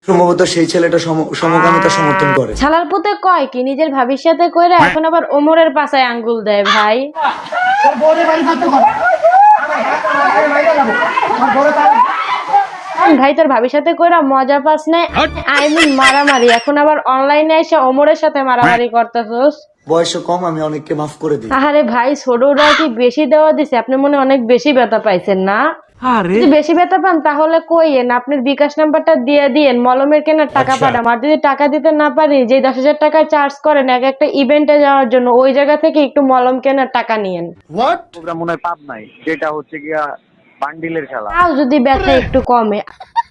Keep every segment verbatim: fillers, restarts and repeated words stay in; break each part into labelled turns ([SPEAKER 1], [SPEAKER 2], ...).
[SPEAKER 1] সম্ভবত সেই ছেলেটা সমকামিতা সমর্থন করে।
[SPEAKER 2] ছালার পুতে কয় কি নিজের ভাবির সাথে কইরা এখন আবার ওমরের পাছায় আঙ্গুল দেয় ভাই। ভাই তোর ভাবির সাথে কইরা মজা পাস নাই, আই মিন মারামারি, এখন আবার অনলাইনে এসে ওমরের সাথে মারামারি করতেছস।
[SPEAKER 1] বয়স কম, আমি অনেককে মাফ করে দিই।
[SPEAKER 2] আরে ভাই ছোটরা কি বেশি দেওয়া দিছে? আপনি মনে অনেক বেশি ব্যথা পাইছেন না? যদি বেশি ব্যথা পান তাহলে কইয়েন, আপনার বিকাশ নাম্বারটা দিয়ে দিয়েন, মলমের কেনার টাকা পাঠাম। আর যদি টাকা দিতে না পারি, যে দশ হাজার টাকা চার্জ করেন এক একটা ইভেন্টে যাওয়ার জন্য, ওই জায়গা থেকে একটু মলম কেনার টাকা নিয়েন।
[SPEAKER 3] ওটা মনে হয় পাপ নাই, যেটা হচ্ছে গিয়া বান্ডিলের খেলা।
[SPEAKER 2] তাও যদি ব্যথা একটু কমে।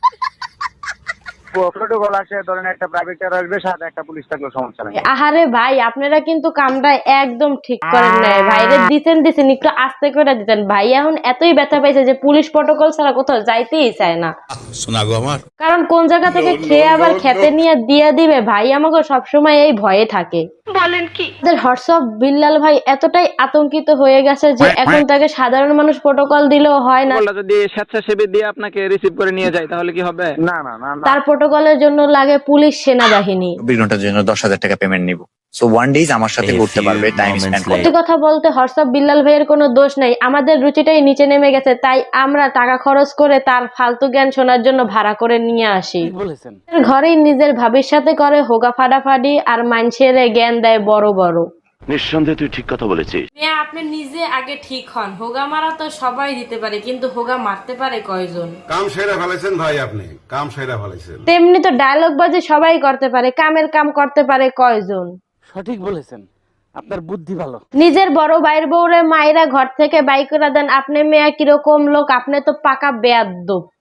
[SPEAKER 3] প্রোটোকল আসে, ধরেন একটা প্রাইভেট কার আসবে, সাথে একটা পুলিশ থাকলে সমস্যা নাই।
[SPEAKER 2] আহারে ভাই আপনারা কিন্তু কামটা একদম ঠিক করেন নাই। ভাইরে দিতেন দিতেন একটু আস্তে করে দিতেন। ভাই এখন এতই ব্যথা পাইছে যে পুলিশ প্রোটোকল ছাড়া কোথাও যাইতেই চায় না।
[SPEAKER 4] শোনা গো আমার,
[SPEAKER 2] কারণ কোন জায়গা থেকে খেয়ে আবার খেতে নিয়ে দিয়ে দিবে, ভাই আমাকে সবসময় এই ভয়ে থাকে। বলেন কি হোয়াটসঅ্যাপ বিল্লাল ভাই এতটাই আতঙ্কিত হয়ে গেছে যে এখন তাকে সাধারণ মানুষ প্রোটোকল দিলেও হয় না।
[SPEAKER 5] যদি স্বেচ্ছাসেবী দিয়ে আপনাকে রিসিভ করে নিয়ে যায় তাহলে কি হবে?
[SPEAKER 3] না না না না,
[SPEAKER 2] তার প্রোটোকলের জন্য লাগে পুলিশ সেনাবাহিনী।
[SPEAKER 6] বিনোটার জন্য দশ হাজার টাকা পেমেন্ট নিব, সো ওয়ান ডেজ আমার সাথে ঘুরতে পারবে, টাইম স্পেন্ড করতে।
[SPEAKER 2] সত্যি কথা বলতে হোয়াটসঅ্যাপ বিল্লাল ভাইয়ের কোনো দোষ নাই, আমাদের রুচিটাই নিচে নেমে গেছে, তাই আমরা টাকা খরচ করে তার ফালতু জ্ঞান শোনার জন্য ভাড়া করে নিয়ে আসি।
[SPEAKER 5] বলেছেন
[SPEAKER 2] ঘরেই নিজের ভাবির সাথে করে হোগা ফাটাফাটি আর মানুষের জ্ঞান দেয় বড় বড়।
[SPEAKER 7] নিঃসন্দেহে তুই ঠিক কথা বলেছিস।
[SPEAKER 2] আপনি নিজে আগে ঠিক হন। হোগা মারা তো সবাই দিতে পারে, কিন্তু হোগা মারতে পারে কয়জন?
[SPEAKER 4] কাম সেরা ফেলেছেন ভাই, আপনি কাম সেরা ফেলেছেন।
[SPEAKER 2] তেমনি তো ডায়লগ বাজি সবাই করতে পারে, কামের কাম করতে পারে কয়জন?
[SPEAKER 5] সঠিক বলেছেন, আপনার বুদ্ধি ভালো।
[SPEAKER 2] নিজের বড় ভাইয়ের বউরে মায়েরা ঘর থেকে বাই করে দেন, আপনি মেয়া কিরকম লোক? আপনি তো পাকা বেয়াদ্দপ।